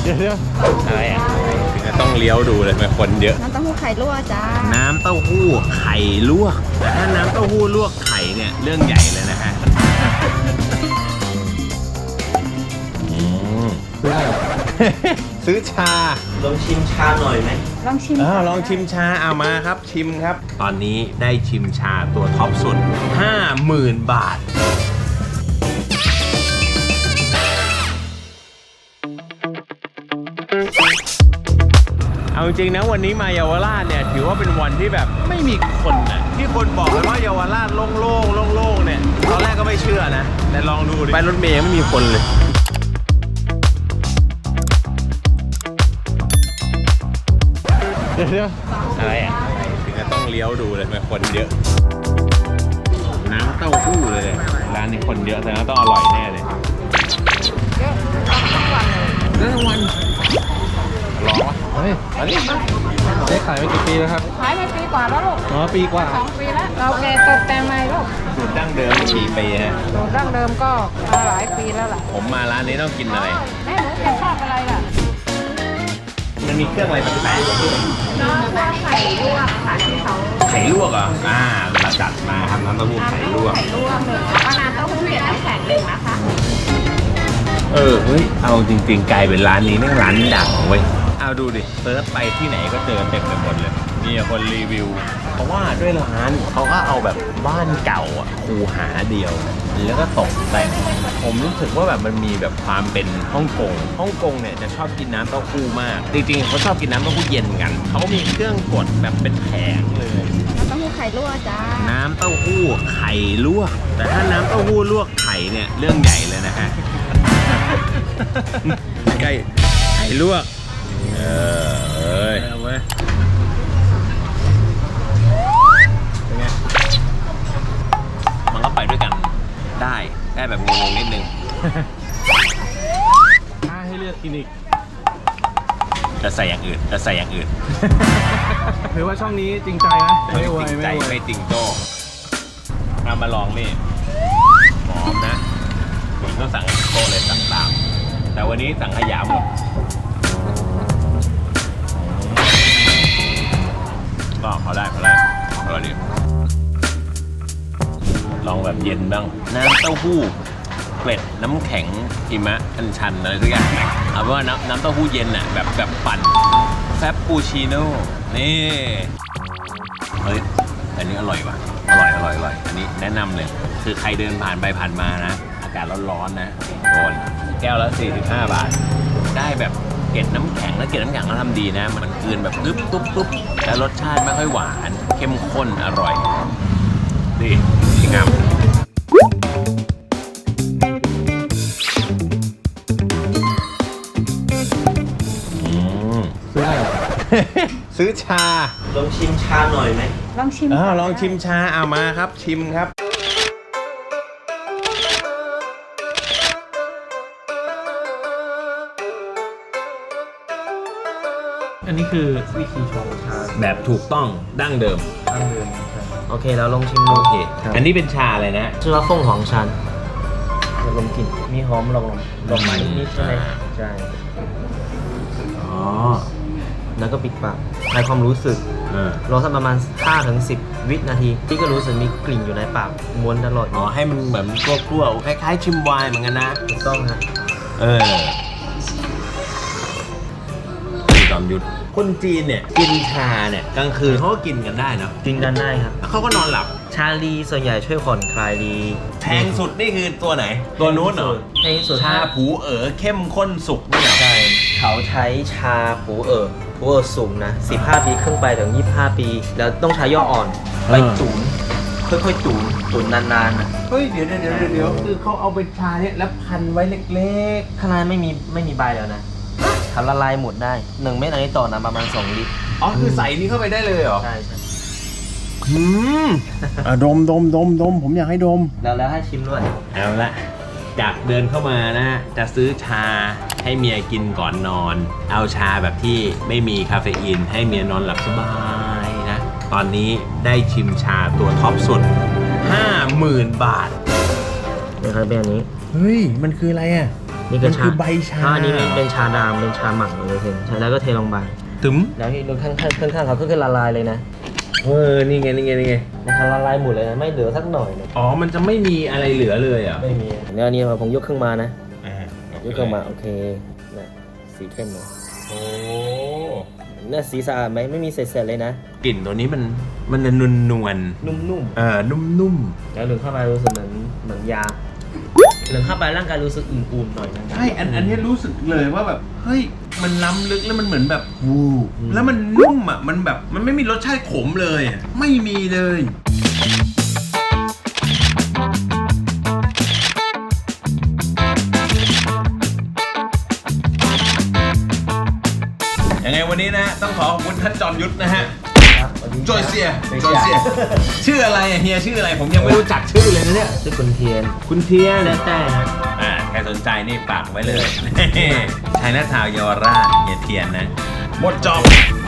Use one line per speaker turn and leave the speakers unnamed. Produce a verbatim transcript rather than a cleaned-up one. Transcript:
ดี๋ยวเดี๋ยวอะไรอ่ะถึงจะต้องเลี้ยวดูเลยมันคนเยอะ
น้ำเต้าหู้ไข่ลวกจ้า
น้ำเต้าหู้ไข่ลวกแต่ถ้าน้ำเต้าหู้ลวกไข่เนี่ยเรื่องใหญ่เลยนะฮะซื้อชา
ลองชิมชาหน่อยไหม
ลองชิม
อ้าวลองชิมชาเอามาครับชิมครับตอนนี้ได้ชิมชาตัวท็อปสุด ห้าหมื่น บาทเอาจริงๆนะวันนี้มาเยาวราชเนี่ยถือว่าเป็นวันที่แบบไม่มีคนนะที่คนบอกกันว่าเยาวราชโล่งๆโล่งๆเนี่ยตอนแรกก็ไม่เชื่อนะแต่ลองดูดิไปรถเมล์ไม่มีคนเลยเดี๋ยวอะไรอ่ะถึงจะต้องเลี้ยวดูเลยมันคนเยอะน้ำเต้าหู้เลยร้านนี้คนเยอะแสดงว่าต้องอร่อยแน่เลย
เยอะทั้งวันเลย
เรื่องวันร้องวะเฮ้ยอันนี้ได้ขายมากี่ปีแล้วครับ
ขายมาปีกว่าแล้วลูก
อ๋อปีกว่า
สองปีแล้วเราแกตกแต่งใหม่ลูก
สูตรดั้งเดิมกี่ปีฮะ
สูตรดั้งเดิมก็มาหลายปีแล้วล่ะ
ผมมาร้านนี้ต้องกินอะไร
แม่หนูแกชอบอะไรล่ะ
มันมีเครื่องอะไรแปลกๆด้วย
ไข่ลวกค่ะที่เขา
ไข่ลวกอ่ะอ่าเราจัดมาครับน้ำเต้าหู้ไข่ลวก
ไข่ลวกหนึ่งแล้วก็น้ำเต้าหู้เย็นน้ำแข็งหนึ่งนะคะ
เออเฮ้ยเอาจริงๆกลายเป็นร้านนี้แม่งร้านดังเว้ยเอาดูดิเซิร์ชไปที่ไหนก็เจอเต็มไปหมดเลยมีคนรีวิวเพราะว่าด้วยร้านเขาก็เอาแบบบ้านเก่าอ่ะคูหาเดียวแล้วก็ตกแต่งผมรู้สึกว่าแบบมันมีแบบความเป็นฮ่องกงฮ่องกงเนี่ยจะชอบกินน้ำเต้าหู้มากจริงๆเขาชอบกินน้ำเต้าหู้เย็นกันเขามีเครื่องกดแบบเป็นแผงเลย
น้ำเต้าหู้ไข่ลวกจ้า
น้ำเต้าหู้ไข่ลวกแต่ถ้าน้ำเต้าหู้ลวกไข่เนี่ยเรื่องใหญ่เลยนะฮะใกล้ไข่ลวกเออเอ้ยเอาไว้เป็นไงมันก็ไปด้วยกันได้ได้แบบงงๆนิดนึงถ้าให้เลือกกินอีกจะใส่อย่างอื่นจะใส่อย่างอื่น
ถือว่าช่องนี้จริงใจนะ
ไม่จริงใจไม่จริงโจ้เอามาลองนี่หอมนะผมต้องสั่งโจ้เลยสั่งตามแต่วันนี้สั่งขยำหมดก็เขาได้เขาได้อร่อยดีลองแบบเย็นบ้างน้ำเต้าหู้เกล็ดน้ำแข็งหิมะอัญชันอะไรทุกอย่างเอาเป็นว่าน้ำน้ำเต้าหู้เย็นน่ะแบบแบบปั่นแฟปปูชิโน่นี่เฮ้ยอันนี้อร่อยว่ะอร่อยอร่อยอร่อยอันนี้แนะนำเลยคือใครเดินผ่านไปผ่านมานะอากาศร้อนๆนะโดนแก้วละสี่สิบห้าบาทได้แบบเกล็ดน้ำแข็งแล้วเกล็ดน้ำแข็งเขาทำดีนะมันกลืนแบบตุ๊บตุ๊บตุ๊บแล้วรสชาติไม่ค่อยหวานเข้มข้นอร่อยดีจริงครับซื้ออะไรซื้อชา
ลองชิมชาหน่อยไหม
ลองชิม
อ้าวลองชิมชาเอามาครับชิมครับ
อันนี้คือวิธีชงชา
แบบถูกต้องดั้งเดิม
ดั้งเดิม
โอเคเราลองชิมดู
โอเคอันนี้เป็นชาอะไรนะ
ชื่อว่าฟงของชันเราลองกินมีหอมลองลองไหมนิดใช่ไหมใช่
อ๋อ
แล้วก็ปิดปากให้ความรู้สึกรอสักประมาณ ห้าถึงสิบ วินาทีพี่ก็รู้สึกมีกลิ่นอยู่ในปากม้วนตลอด
อ๋อให้มันแบบกลัวๆคล้ายๆชิมไวน์เหมือนกันนะ
ถูกต้องครับ
เออจอมยุทธคนจีนเนี่ยกินชาเนี่ยกลางคืนเขาก็กินกันได้นะ
กินกันได้ครับ
เขาก็นอนหลับ
ชาลีส่วนใหญ่ช่วยผ่อนคลายดี
แพงสุดนี่คือตัวไหนตัวนู้นเหรอ
แพงสุด
ชาผูเอ๋อเข้มข้นสุกนี่เหรอ
ใช่เขาใช้ชาผูเอ๋อผูเอ๋อสูงนะสิบห้าปีขึ้นไปถึงยี่สิบห้าปีแล้วต้องใช้ย่ออ่อนไปตุ๋นค่อยๆตุ๋นตุ๋นนานๆนะ
เฮ้ยเดี๋ยวเดี๋ยวเดี๋ยวเดี๋ยวคือเขาเอาเป็นชาเนี่ยแล้วพันไว้เล็ก
ๆข้างในไม่มีไม่มีใบแล้วนะทำละลายหมดได้หนึ่งเม็ดอันนี้ต่อน้ำประมาณสองลิตร
อ๋อคือใส่นี้เข้าไปได้เลยเหรอ
ใช่ใช่
อืมอ่ะดมดมดมดมผมอยากให้ดม
แล้วแล้วให้ชิมด้วย
เอาละจากเดินเข้ามานะจะซื้อชาให้เมียกินก่อนนอนเอาชาแบบที่ไม่มีคาเฟอีนให้เมียนอนหลับสบายนะตอนนี้ได้ชิมชาตัวท็อปสุด ห้าหมื่น บาท
นี่ครับเป็นอันนี้
เฮ้ยมันคืออะไรอ่ะ
นี่ก็
มัน
ชา
คือใบชา
ถ้อันนี้เป็นชาดำเป็นชาหมักเลยเห็นใช่แล้วก็เทลงไป
ถึม
แล้วที่ข้างข้างข้างข้างๆเขาก็คือละลายเลยนะ
เออนี่ไงนี่ไงนี่ไง
นะคะละลายหมดเลยนะไม่เหลือสักหน่อยเลย
อ๋อมันจะไม่มีอะไรเหลือเลยอ่ะ
ไม่มีเนี่ยอันนี้ผมยกขึ้นมานะ
อ่าย
กขึ้นมาโอเคนะสีเข้มเลย
โอ้
เนี่ยสีสะอาดไหมไม่มีเศษๆเลยนะ
กลิ่นตัวนี้มันมันจะนวลนวล
นุ่ม
ๆเออนุ่ม
ๆแล้วหนึ่งเข้าไปรู้สึกเหมือนเหมือนยาหนึ่งเข้าไปร่างกายรู้สึกอุ่นๆหน่อยนะ
ๆใช่อันอันนี้รู้สึกเลยว่าแบบเฮ้ยมันล้ำลึกแล้วมันเหมือนแบบวูแล้วมันนุ่มอ่ะมันแบบมันไม่มีรสชาติขมเลยอะไม่มีเลยยังไงวันนี้นะต้องขอขอบคุณท่านจอมยุทธนะฮะ
ครับวันนี้
จอยเซีย
จอย
จอยเซี
เซี
ย
ย
ชื่ออะไรอะเฮียชื่ออะไรผมยังไม่รู้จักชื่อเลยนะเนี่ย
ชื่อคุณเทียน
คุณเทียน
แต้แต้นะ
อ่าใครสนใจนี่ฝากไว้เลย ชัยนาทาวน์เยาวราชเฮียเทียนนะ หมดจอบ